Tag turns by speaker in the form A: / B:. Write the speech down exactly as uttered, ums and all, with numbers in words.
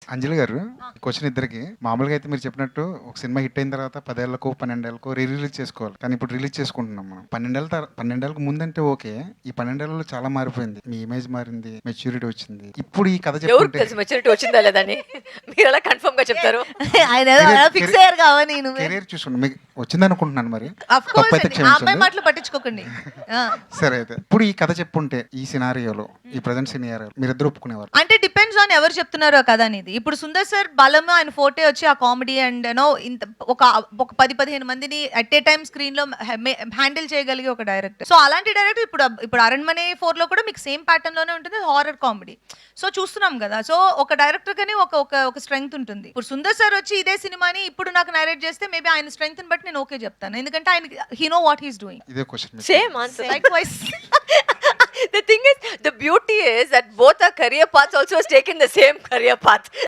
A: అంజలి గారు క్వశ్చన్ ఇద్దరికి. మామూలుగా అయితే మీరు చెప్పినట్టు ఒక సినిమా హిట్ అయిన తర్వాత పదేళ్లకు పన్నెండేళ్లకు రీ రిలీజ్ చేసుకోవాలి. కానీ ఇప్పుడు రిలీజ్ చేసుకుంటున్నాం మనం. పన్నెండేళ్ళ తర్- పన్నెండేళ్ళకు ముందంటే ఓకే. ఈ పన్నెండేళ్లలో చాలా మారిపోయింది. మీ ఇమేజ్ మారింది, మెచ్యూరిటీ వచ్చింది. ఇప్పుడు ఈ కథ
B: ఎవరికి
A: చెప్పుకుంటే
B: తెలుసు మెచ్యూరిటీ వచ్చిందా లేదని? మీరు ఎలా కన్ఫర్మ్ గా చెప్తారు?
C: ఆయన ఫిక్స్ అయ్యారు కావాలి నేను
A: కెరీర్ చూసుకోండి, మీకు వచ్చింది అనుకుంటున్నాను. మరి
C: అఫ్ కోర్స్
A: తప్పైతే
C: అండి, ఆ అమ్మాయి
A: క్షమించండి.
C: మాటలు పట్టించుకోకండి. ఆ.
A: సరే అయితే ఇప్పుడు ఈ కథ చెప్పుంటే ఈ సినారియోలో, ఈ ప్రజెంట్ సినారియోలో మీరిద్దరు ఒప్పుకునేవారు.
C: అంటే డిపెండ్స్ ఆన్ ఎవరు చెప్తున్నారో కదా అనేది. ఇప్పుడు సుందర్ సార్ బలము ఆయన ఫోటే వచ్చి ఆ కామెడీ అండ్ నో ఇంత ఒక ఒక పది పదిహేను మందిని అట్ ఏ టైమ్ స్క్రీన్ లో హ్యాండిల్ చేయగలిగే ఒక డైరెక్టర్. సో అలాంటి డైరెక్టర్ ఇప్పుడు ఇప్పుడు అరణ్మనే ఫోర్ లో కూడా మీకు సేమ్ ప్యాటర్న్ లోనే ఉంటుంది, హారర్ కామెడీ. సో చూస్తున్నాం కదా. సో ఒక డైరెక్టర్ కని ఒక ఒక ఒక స్ట్రెంగ్త్ ఉంటుంది. ఇప్పుడు సుందర్ సార్ వచ్చి ఇదే సినిమాని ఇప్పుడు నాకు నరేట్ చేస్తే మేబీ ఆయన స్ట్రెంగ్త్ బట్టి నేను ఓకే చెప్తాను, ఎందుకంటే ఆయన he know what he's doing.
A: ఇదే question.
B: Same answer.
C: Likewise.
B: The thing is, the beauty is that both our career paths also has taken the same career path.